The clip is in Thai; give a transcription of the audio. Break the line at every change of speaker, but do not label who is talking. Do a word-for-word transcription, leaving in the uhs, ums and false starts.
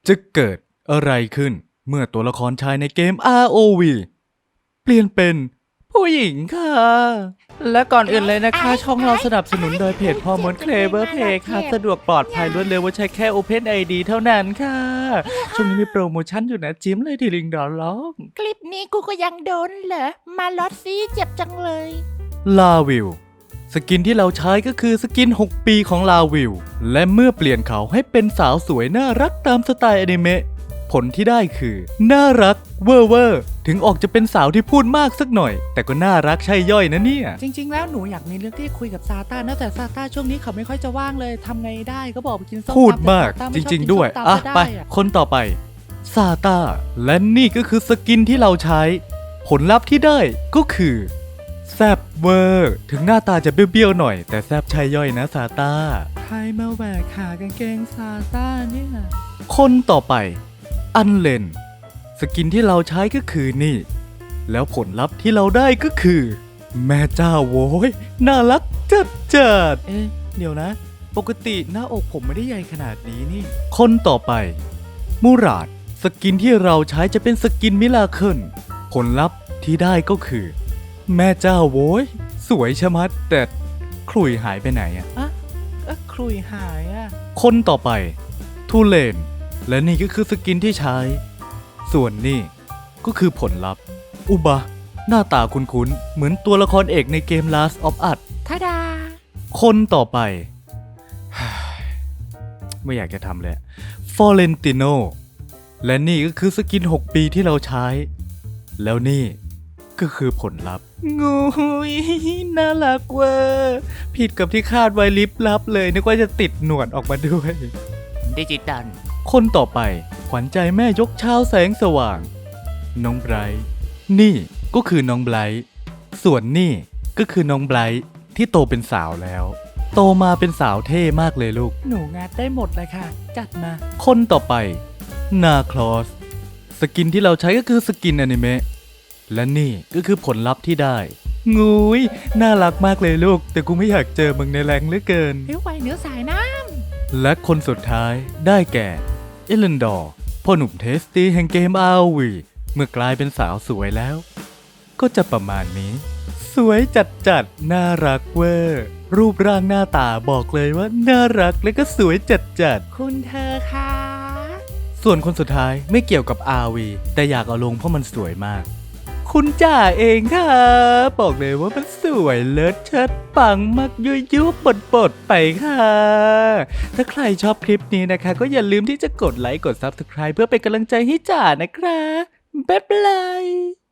จะเกิดอะไรขึ้นเมื่อตัวละครชายในเกม อาร์ โอ วี เปลี่ยนเป็นผู้หญิงค่ะ และก่อนอื่นเลยนะคะช่องเราสนับสนุนโดยเพจพอมดเคลเบอร์เพย์ค่ะสะดวกปลอดภัยรวดเร็วว่าใช้แค่ Open ไอ ดี เท่านั้นค่ะช่วงนี้มีโปรโมชั่นอยู่นะจิ้มเลยที่ลิงก์ดอลล็อก
คลิปนี้กูก็ยังโดนเหรอ มาลอดซีเจ็บจังเลย
ลาวิลสกินที่เราใช้ก็คือสกินหกปีของลาวิลและเมื่อเปลี่ยนเขาให้เป็นสาวสวยน่ารักตามสไตล์อนิเมะผลที่ได้คือน่ารักเวอร์เวอร์ถึงออกจะเป็นสาวที่พูดมากสักหน่อยแต่ก็น่ารักใช่ย่อยนะเนี่ย
จริงๆ แล้วหนูอยากมีเรื่องที่คุยกับซาต้านะแต่ซาต้าช่วงนี้เขาไม่ค่อยจะว่างเลยทำไงได้ก็บอกไปกินส้มตำ
พูดมาก
แต่ซต้
จ
ไม่ชอบ
ริง
กิน
ๆ ด้วย
ส้มตำ
อ่ะ
ก็
ไป
ด้อะ
คนต่อไปซาต้าและนี่ก็คือสกินที่เราใช้ ผลลัพธ์ที่ได้ก็คือแซบเวอร์ถึงหน้าตาจะเบี้ยวๆหน่อยแต่แซบใช่ย่อยนะซาต้า
ใครมาแหวกขากางเกงซาต้าเนี่ย
คนต่อไปอันเลนสกินที่เราใช้ก็คือนี่ แล้วผลลัพธ์ที่เราได้ก็คือ แม่เจ้าโว้ยน่ารักจัดจัด
เอ๊ะเดี๋ยวนะ ปกติหน้าอกผมไม่ได้ใหญ่ขนาดนี้นี่
คนต่อไปมูราดสกินที่เราใช้จะเป็นสกินมิลาเคิลผลลัพธ์ที่ได้ก็คือ แม่เจ้าโว้ยสวยชะมัดแต่ขลุ่ยหายไปไหนอะ
อะเอ๊ะครุยหายอะ
คนต่อไปทูเลนและนี่ก็คือสกินที่ใช้ ส่วนนี่ก็คือผลลัพธ์ อุบะ หน้าตาคุ้นๆ เหมือนตัวละครเอกในเกม Last of Us
ทาดา
คนต่อไป ไม่อยากจะทำเลยฟอเรนติโนและนี่ก็คือสกินหกปีที่เราใช้ แล้วนี่ก็คือผลลัพธ์งูยน่ารักเวอร์ผิดกับที่คาดไว้ลิบลับเลยนึกว่าจะติดหนวดออกมาด้วย
ดิจิตอล
คนต่อไปขวัญใจแม่ยกเช้าแสงสว่าง น้องไบรท์นี่ก็คือน้องไบรท์ส่วนนี่ก็คือน้องไบรท์ที่โตเป็นสาวแล้ว โตมาเป็นสาวเท่มากเลยลูก
หนูงัดได้หมดเลยค่ะ จัดมา
คนต่อไปนาคลอสสกินที่เราใช้ก็คือสกินอนิเมะและนี่ก็คือผลลัพธ์ที่ได้ งูยน่ารักมากเลยลูก แต่กูไม่อยากเจอมึงในแรงเหลือเกิน
เฮ้ยไวเนื้อสายน้
และคนสุดท้ายได้แก่เอเลนดอร์พ่อหนุ่มเทสตี้แห่งเกม อาร์ โอ วี เมื่อกลายเป็นสาวสวยแล้ว ก็จะประมาณนี้ สวยจัดจัดน่ารักเวอร์ รูปร่างหน้าตาบอกเลยว่าน่ารักและก็สวยจัดจัด
ำคุณเธอค่ะ
ส่วนคนสุดท้ายไม่เกี่ยวกับ อาร์ วี แต่อยากเอาลงเพราะมันสวยมาก คุณจ่าเองค่ะ บอกเลยว่ามันสวยเลิศเชิดปังมากยุยยุบปดปดไปค่ะ ถ้าใครชอบคลิปนี้นะคะ ก็อย่าลืมที่จะกดไลค์กด ซับสไครบ์ เพื่อเป็นกำลังใจให้จ่านะคะบ๊ายบาย